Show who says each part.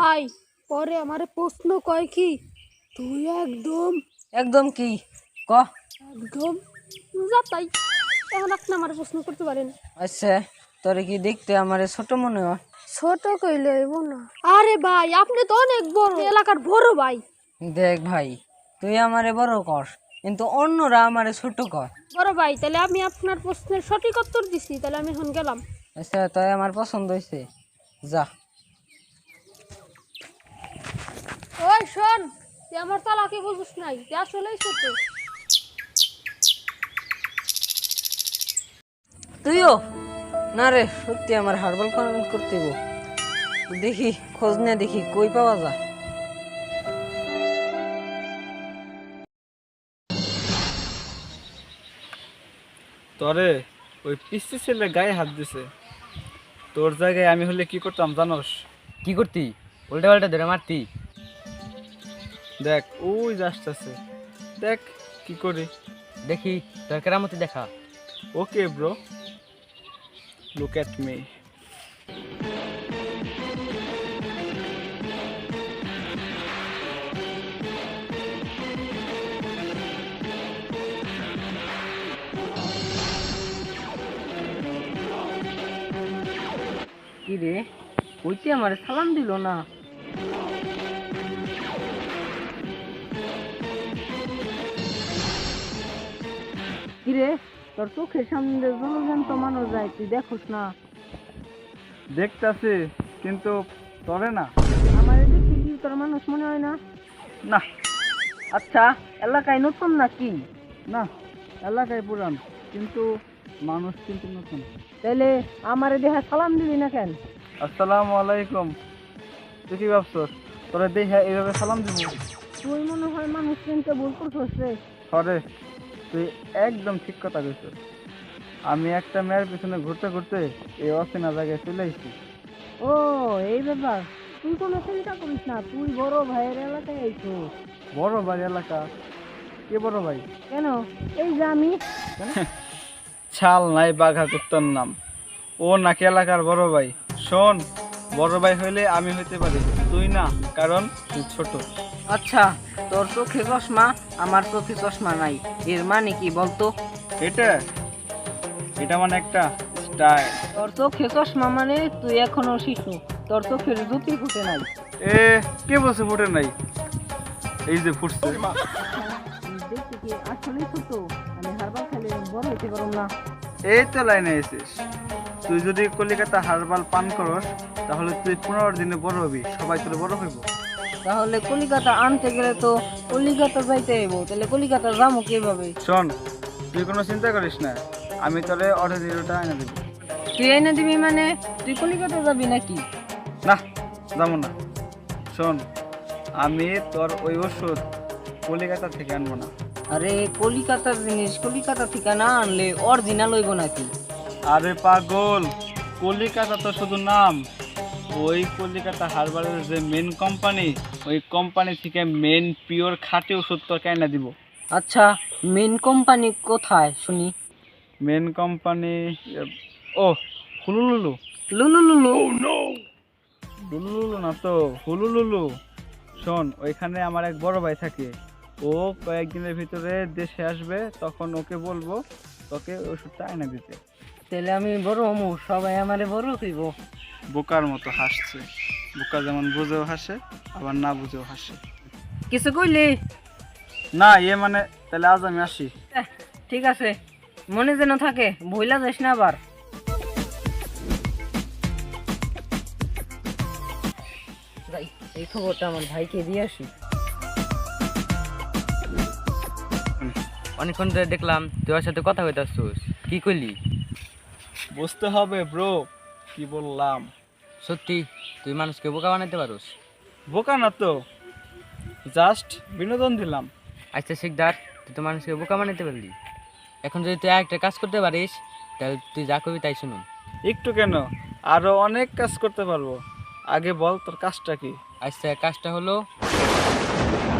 Speaker 1: ভাই পরে আমারে প্রশ্ন কয় কি তুই একদম
Speaker 2: একদম কি ক।
Speaker 1: একদম যাতাই। এখন আপনি আমার প্রশ্ন করতে পারেন।
Speaker 2: আচ্ছা, তোরে কি দেখতে আমারে ছোট মনে হয়?
Speaker 1: ছোট কইলে হইব না। আরে ভাই আপনি তো অনেক বড় এলাকার বড় ভাই।
Speaker 2: দেখ ভাই, তুই আমারে বড় কর কিন্তু অন্যরা আমারে ছোট কর।
Speaker 1: বড় ভাই তাহলে আমি আপনার প্রশ্নের সঠিক উত্তর দিছি, তাহলে আমি এখন গেলাম।
Speaker 2: আচ্ছা, তাই আমার পছন্দ হয়েছে, যা।
Speaker 1: ওই শোন, তুই আমার তালাকে বুঝিস নাই, তুই আসলেই ছোট।
Speaker 2: তুইও না রে, সত্যি আমার হার্বাল কমেন্ট করতে হইব। দেখি খোঁজ নিয়ে দেখি কই পাওয়া যায়।
Speaker 3: তরে ওই পিসি ছেলে গায়ে হাত দিছে, তোর জায়গায় আমি হলে কি করতাম জানোস?
Speaker 4: কি করতি? উল্টা পাল্টা ধরে মারতি?
Speaker 3: দেখ ওই আসতেছে, দেখ কি করি।
Speaker 4: দেখি তোর কেরামতি দেখা।
Speaker 3: Okay bro, look at me.
Speaker 2: কি রে, কইতে আমারে সালাম দিল না? কি রে, তোর চোখের সামনে জলজন্ত মানুষ যায়, তুই দেখোস না?
Speaker 3: দেখতাছি কিন্তু তরে না।
Speaker 2: আমারে দেখি কি তোর মানুষ মনে হয় না?
Speaker 3: না
Speaker 2: আচ্ছা, এলাকায় নতুন নাকি?
Speaker 3: না, এলাকায় পুরান কিন্তু মানুষ কিন্তু নতুন।
Speaker 2: তাইলে আমারে দেখা সালাম দিবি না কেন?
Speaker 3: আসসালামু আলাইকুম। তুই কি ভাবছস তোরে দেখে এইভাবে সালাম দিব?
Speaker 2: তুই মনে হয় মানুষ চিনতে ভুল করছিস রে।
Speaker 3: হরে, তুই একদম ঠিক কথা কইছিস। আমি একটা মেয়ের পিছনে ঘুরতে ঘুরতে এই অচেনা জায়গায় চলে এসেছি।
Speaker 2: ও, এই ব্যাপার। তুই কোনো চিন্তা করিস না, তুই বড় ভাইয়ের এলাকায় আইছো।
Speaker 3: বড় ভাই এলাকা? কে বড় ভাই?
Speaker 2: কেন, এই যে আমি।
Speaker 3: ছাল নাই বাঘা কুত্তার নাম, ও নাকি এলাকার বড় ভাই? শোন, বড় ভাই হইলে আমি হইতে পারি, তুই না, কারণ তুই ছোট।
Speaker 2: আচ্ছা, তোর চোখে চশমা, আমার চোখে চশমা নাই, এর মানে কি বলতো?
Speaker 3: এটা এটা মানে একটা স্টাইল।
Speaker 2: তোর চোখে চশমা মানে তুই এখনো শিশু, তোর চোখের জুতি ফুটে নাই।
Speaker 3: এ কে বলছে ফুটে নাই? এই যে ফুটছে।
Speaker 2: দেখতে কি আসলেই ছোট? আমি হারবাল খেলে বড় হইতে পারব না।
Speaker 3: এই তো লাইনে এসেছিস। তুই যদি কলিকাতা হারবাল পান করস তাহলে তুই 15 দিনে বড় হবি, সবাই তোর বড় হইব।
Speaker 2: তাহলে কলিকাতা আনতে গেলে তো কলিকাতা যাইতে হইব, তাহলে কলিকাতা যাবো কিভাবে?
Speaker 3: শোন, তুই কোনো চিন্তা করিস না, আমি তোরে অর্ডার এনে দেবো।
Speaker 2: তুই এনে দিবি মানে তুই কলিকাতা যাবি নাকি?
Speaker 3: না, যাবো না। শোন, আমি তোর ওই ওষুধ কলিকাতা থেকে আনবো না।
Speaker 2: আরে কলিকাতার জিনিস কলিকাতা থেকে না আনলে অরিজিনাল হইব নাকি?
Speaker 3: আরে পাগল, কলিকাতা তো শুধু নাম। ওই কলিকাতা হারবারের যে মেন কোম্পানি, ওই কোম্পানি থেকে মেন পিওর খাঁটি ওষুধ তোকে এনে দিব।
Speaker 2: আচ্ছা, মেন কোম্পানি কোথায় শুনি?
Speaker 3: মেন কোম্পানি, ও, হুলুলুলু।
Speaker 2: লুলুলুলু?
Speaker 3: লুলুলুলু না তো, হুলুলুলু। শোন, ওইখানে আমার এক বড় ভাই থাকে, ও কয়েকদিনের ভিতরে দেশে আসবে, তখন ওকে বলবো তোকে ওষুধটা এনে দিতে।
Speaker 2: তাহলে আমি বড় হমু, সবাই আমারে বড় কইব।
Speaker 3: বোকার মতো হাসছে। বোকা যেমন বুঝেও হাসে, আবার না বুঝেও হাসে।
Speaker 2: কিছু কইলি?
Speaker 3: না, ইয়ে মানে তাহলে আজ আমি আসি।
Speaker 2: ঠিক আছে, মনে যেন থাকে, ভুলা যাস না আবার। যাই, এই খবরটা আমার ভাইকে দিয়ে আসি।
Speaker 4: অনেকক্ষণ ধরে দেখলাম তুই ওর সাথে কথা কইতে আসছিস, কি কইলি?
Speaker 3: বুঝতে হবে ব্রো, কি বললাম।
Speaker 4: সত্যি তুই মানুষকে বোকা বানাইতে পারোস?
Speaker 3: বোকা না তো, জাস্ট বিনোদন দিলাম।
Speaker 4: আচ্ছা শিকদার, তুই তো মানুষকে বোকা বানাইতে পারলি, এখন যদি তুই একটা কাজ করতে পারিস তাহলে তুই যা করবি তাই শুনুন।
Speaker 3: একটু কেন, আরো অনেক কাজ করতে পারবো। আগে বল তোর কাজটা কি?
Speaker 4: আচ্ছা, কাজটা হলো